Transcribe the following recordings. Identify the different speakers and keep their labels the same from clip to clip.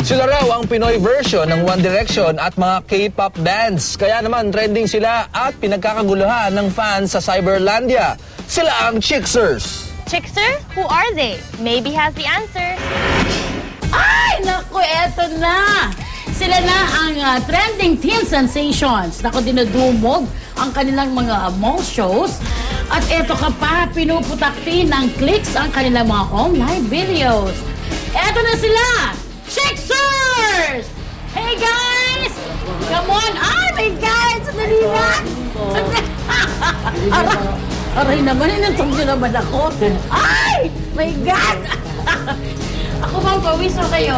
Speaker 1: Sila raw ang Pinoy version ng One Direction at mga K-pop bands. Kaya naman trending sila at pinagkakaguluhan ng fans sa Cyberlandia. Sila ang Chixers.
Speaker 2: Chixer? Who are they? Maybe has the answer.
Speaker 3: Ay, naku, eto na! Sila na ang trending teen sensations. Naku, dinudumog ang kanilang mga mall shows. At eto ka pa, pinuputakti ng clicks ang kanilang mga online videos. Eto na sila! Chixers! Hey guys! Come on! Ay, my God! Sandali na! Aray naman, inantog nyo naman ako. Ay! My God! Ako bang pawis o kayo?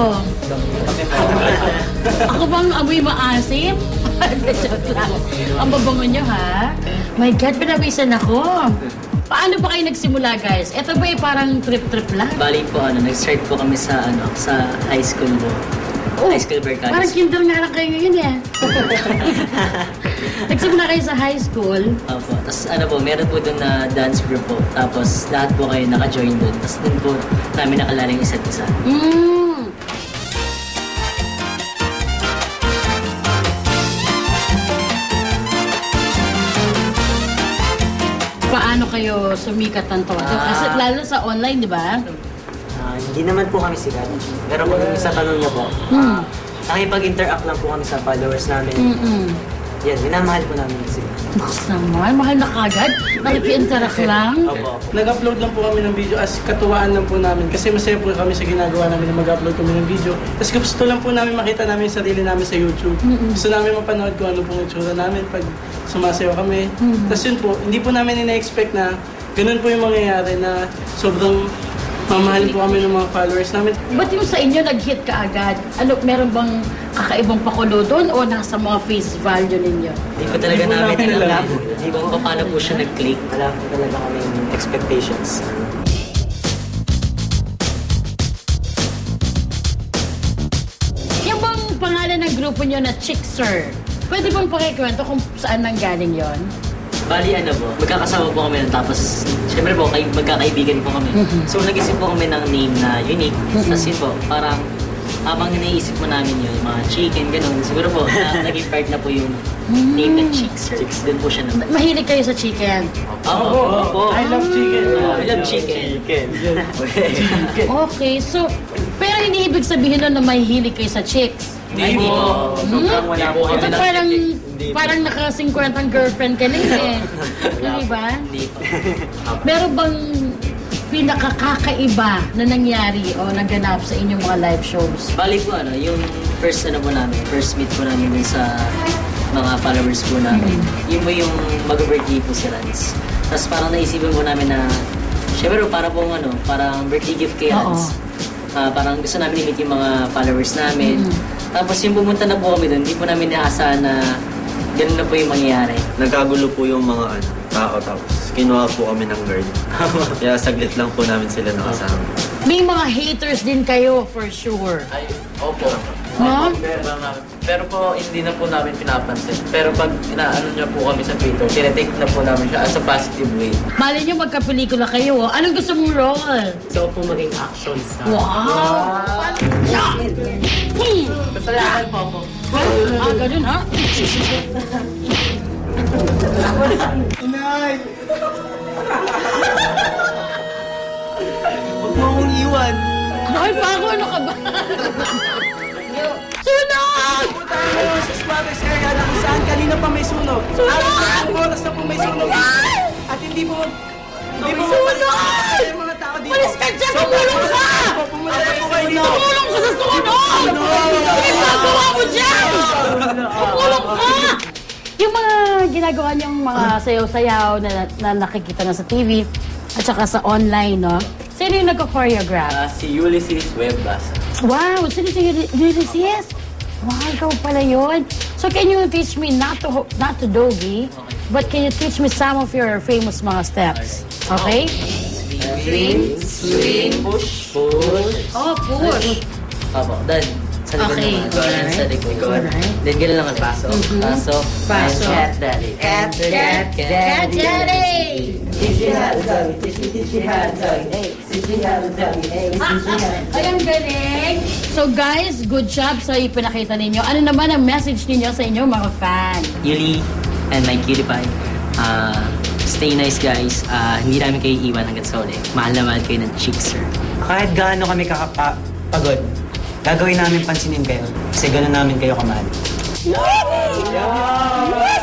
Speaker 3: Ako bang amoy maasim? Joke lang. Ang babango nyo, ha? My God, pinawisan ako. Paano ba kayo nagsimula, guys? Ito ba parang trip-trip lang?
Speaker 4: Bali po, nag-start po kami sa high school po.
Speaker 3: Oh,
Speaker 4: high school Barcadas.
Speaker 3: Parang kinder nga lang kayo ngayon, eh. Nagsimula kayo sa high school.
Speaker 4: Opo. Tapos meron po doon na dance group po. Tapos lahat po kayo naka-join doon. Tapos doon po namin nakalala yung isa't isa.
Speaker 3: Paano kayo sumikat ng todo? Kasi lalo sa online, di ba?
Speaker 5: Hindi naman po kami sikat. Pero kung sa tanong niyo po, nakipag-interact lang po kami sa followers namin. Yan, minamahal po namin sila.
Speaker 3: Bukas naman, mahal na kagad. Nakiki-interact lang.
Speaker 5: Opo.
Speaker 6: Nag-upload lang po kami ng video as katuwaan lang po namin. Kasi masaya po kami sa ginagawa namin na mag-upload kami ng video. Tapos gusto lang po namin makita namin yung sarili namin sa YouTube. Gusto namin mapanood kung ano pong itsura namin pag sumasayaw kami. Tapos yun po, hindi po namin ina-expect na ganun po yung mangyayari na sobrang mamahalin po kami ng mga followers namin.
Speaker 3: Ba't yung sa inyo nag-hit ka agad? Ano, meron bang kakaibang pakulo doon o nasa mga face value ninyo?
Speaker 4: Hindi po talaga namin alam. Hindi po paano po siya nag-click.
Speaker 5: Wala po talaga kami expectations.
Speaker 3: Yung bang pangalan ng grupo nyo na Chixer, pwede bang pakikwento kung saan nanggaling yon?
Speaker 4: Bali po, magkakasama po kami nun. Tapos, syempre po, magkakaibigan po kami. So, nag-isip po kami ng name na unique. Tapos yun po, parang habang iniisip mo namin yun, mga chicken, gano'n. Siguro po, naging part na po yung name ng Chixer. Doon po siya naman.
Speaker 3: Mahilig kayo sa chicken?
Speaker 4: Opo.
Speaker 6: I love chicken.
Speaker 4: I love chicken.
Speaker 3: Okay, so, pero hindi ibig sabihin nun na mahihilig kayo sa chicks?
Speaker 4: Hindi po.
Speaker 5: Wala po
Speaker 3: Ito parang naka-50 ang girlfriend ka lang eh. Hindi ba?
Speaker 4: Hindi po.
Speaker 3: Meron bang pinakakakaiba na nangyari o naganap sa inyong mga live shows?
Speaker 4: Bali po yung first first meet po namin dun sa mga followers po namin. Yun po yung mag-birthday po si Rans. Tapos parang naisipan po namin na, syempre parang birthday gift kay Rans. Parang gusto namin i-meet yung mga followers namin. Tapos yung pumunta na po kami doon, hindi po namin naasahan na ganun na po yung mangyayari.
Speaker 7: Nagkagulo po yung mga tao, tapos kinuha po kami ng girl. Kaya saglit lang po namin sila nakasama.
Speaker 3: May mga haters din kayo for sure.
Speaker 8: Ay, opo.
Speaker 3: No?
Speaker 8: Pero po, hindi na po namin pinapansin. Pero pag inaano niya po kami sa Twitter, tinetake na po namin siya as a positive way.
Speaker 3: Mali nyo magkapelikula kayo. Anong gusto mong role?
Speaker 5: So po maging action star.
Speaker 3: Wow!
Speaker 8: Kasalanan po ako.
Speaker 3: Ganun ha?
Speaker 6: Inay! Huwag mo akong iwan.
Speaker 3: Bakit pa ako? Ano ka ba? Sunog!
Speaker 6: Punta tayo sa Suarez area na kung saan kanina pa may sunog. At oras na po may sunog. At hindi po yung mga tao dito.
Speaker 3: Malis ka dyan! Tumulong ka!
Speaker 6: Pumunta po kayo dito.
Speaker 3: Tumulong ka sa sunog! Ano ginagawa mo dyan? Tumulong ka! Yung mga ginagawa niyong mga sayaw-sayaw na nakikita na sa TV at saka sa online, no? Sino yung nagka-choreograph?
Speaker 8: Si Ulysses Webbasa.
Speaker 3: Wow! Sino si Ulysses? Wow, ikaw pala yun. So can you teach me not to doggy, but can you teach me some of your famous mga steps? Okay?
Speaker 8: Swing, push.
Speaker 3: Oh, push.
Speaker 4: Opo, then, sa likod
Speaker 3: Okay,
Speaker 4: naman.
Speaker 3: alright.
Speaker 4: Sa likod.
Speaker 3: Alright.
Speaker 4: Then, gano'n lang ang paso. Paso.
Speaker 3: Paso.
Speaker 4: Cat daddy.
Speaker 3: Cat daddy. Ay, ang galing! So guys, good job sa ipinakita ninyo. Ano naman ang message ninyo sa inyo mga fan?
Speaker 4: Yuli and my cutie pie. Stay nice guys. Hindi namin kayo iwan hanggang sa uli. Mahal na mahal kayo ng chicks, sir.
Speaker 5: Kahit gaano kami kakapagod, gagawin namin pansinin kayo. Kasi gano'n namin kayo kamahal.
Speaker 3: Wow!